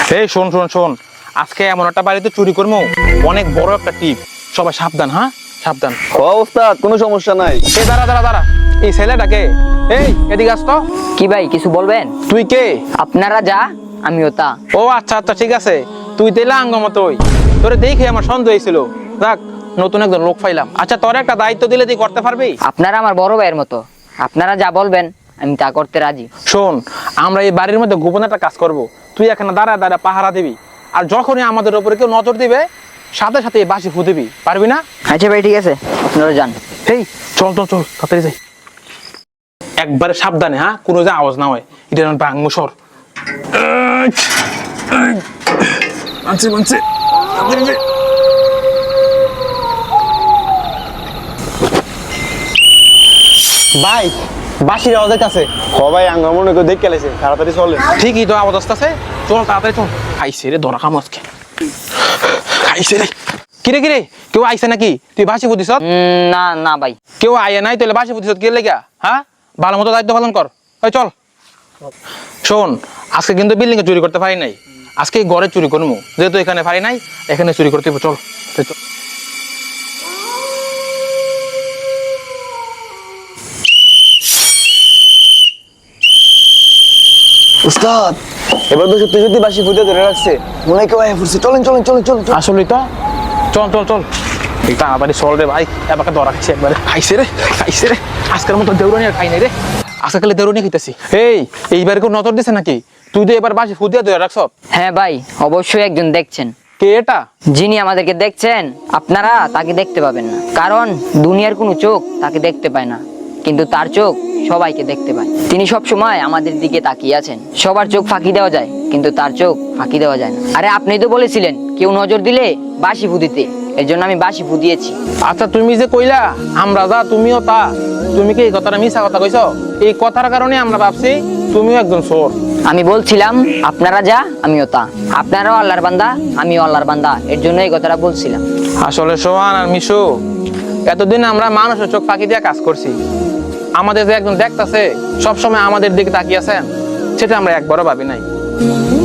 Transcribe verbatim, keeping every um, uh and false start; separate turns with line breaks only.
এই শোন শোন শোন, আজকে এমন একটা বাড়িতে চুরি করবো, অনেক বড় একটা টিপ। সবাই সাবধান, হ্যাঁ সাবধান।
ও ওস্তাদ, কোনো সমস্যা নাই।
এই দাঁড়া দাঁড়া দাঁড়া, এই ছেলেটাকে, এই এদিকে আস তো।
কি ভাই কিছু বলবেন?
তুই কে?
আপনারা যা আমিও তা।
ও আচ্ছা আচ্ছা ঠিক আছে, তুই তেলে আঙ্গমতোই, তোরে দেখে আমার সন্দেহ হয়েছিল। দেখ, নতুন একজন লোক পাইলাম। আচ্ছা, তোর একটা দায়িত্ব দিলে তুই করতে পারবি?
আপনারা আমার বড় ভাইয়ের মতো, আপনারা যা বলবেন আমি তা করতে রাজি।
শোন, আমরা এই বাড়ির মধ্যে গোপন একটা কাজ করব। তুই এখানে দাঁড়া দাঁড়া পাহারা দিবি, আর যখনই আমাদের উপরে কেউ নজর দিবে সাথে সাথে এই বাঁশি ফু দিবি, পারবি না?
আচ্ছা ভাই ঠিক আছে, আপনারা যান।
এই চল চল চল, তাড়াতাড়ি যাই। একবারে সাবধানে, হ্যাঁ, কোনো যে আওয়াজ না হয়। এটা ভাঙবো সর। মানছে মানছে। ভাই, বাঁশির আওয়াজের কাছে।
হ ভাই, আঙ্গা মনে করে দেখে গেলেছে, তাড়াতাড়ি চলে।
ঠিকই তো আওয়াজ আসতেছে, চল তাড়াতাড়ি চল। খাইছে রে ধরা কাম আজকে, খাইছে রে। কিরে কিরে, কেউ আইছে নাকি? তুই বাঁশি ফুদিস?
উম, না না ভাই।
কেউ আইয়া নাই, তাহলে বাঁশি ফুদিস কে লেগা? হ্যাঁ, ভালো মতো দায়িত্ব পালন কর। ওই চল। শোন, আজকে কিন্তু বিল্ডিং এ চুরি করতে পারি নাই, আজকে ঘরে চুরি করবো। যেহেতু এখানে পারি নাই, এখানে চুরি করতে হবে। চল চল।
উস্তাদ, এবার তো সত্যি সত্যি বাসি ফুটে ধরে রাখছে, মনে হয় কেউ আয় ফুটছে। চলেন চলেন চলেন চলেন।
আসলেই তো, চল চল চল। এই তাড়াতাড়ি চল রে ভাই, এবার ধরা খাইছে একবারে। খাইছে রে খাইছে রে, আজকের মতো দেউরানি আর খাই নাই রে। আজকে খালি দেউরানি খাইতেছি। এই এইবার কেউ নজর দিছে নাকি? তুই তো এবার বাসি ফুদিয়া ধরে রাখছ।
হ্যাঁ ভাই, অবশ্যই একজন দেখছেন।
কে এটা?
যিনি আমাদেরকে দেখছেন, আপনারা তাকে দেখতে পাবেন না, কারণ দুনিয়ার কোনো চোখ তাকে দেখতে পায় না, কিন্তু তার চোখ সবাইকে দেখতে পায়। তিনি সব সময় আমাদের দিকে তাকিয়ে আছেন। সবার চোখ ফাঁকি দেওয়া যায়, কিন্তু তার চোখ ফাঁকি দেওয়া যায় না। আরে আপনি তো বলেছিলেন কেউ নজর দিলে বাঁশি ফুদিতে, এর জন্য আমি বাঁশি ফুদিয়েছি।
আচ্ছা, তুমি যে কইলা আমরা যা তুমিও তা, তুমি কি এই কথাটা মিছা কথা কইছো? এই কথার কারণে আমরা ভাবছি তুমিও একজন চোর।
আমি বলছিলাম আপনারা যা আমিও তা, আপনারাও আল্লাহর বান্দা আমিও আল্লাহর বান্দা, এর জন্য এই কথাটা বলছিলাম।
আসলে সোহান আর মিশু, এতদিন আমরা মানুষের চোখ ফাঁকি দিয়ে কাজ করছি। আমাদের যে একজন দেখতাছে, সবসময় আমাদের দিকে তাকিয়ে আছেন, সেটা আমরা একবারও ভাবি নাই।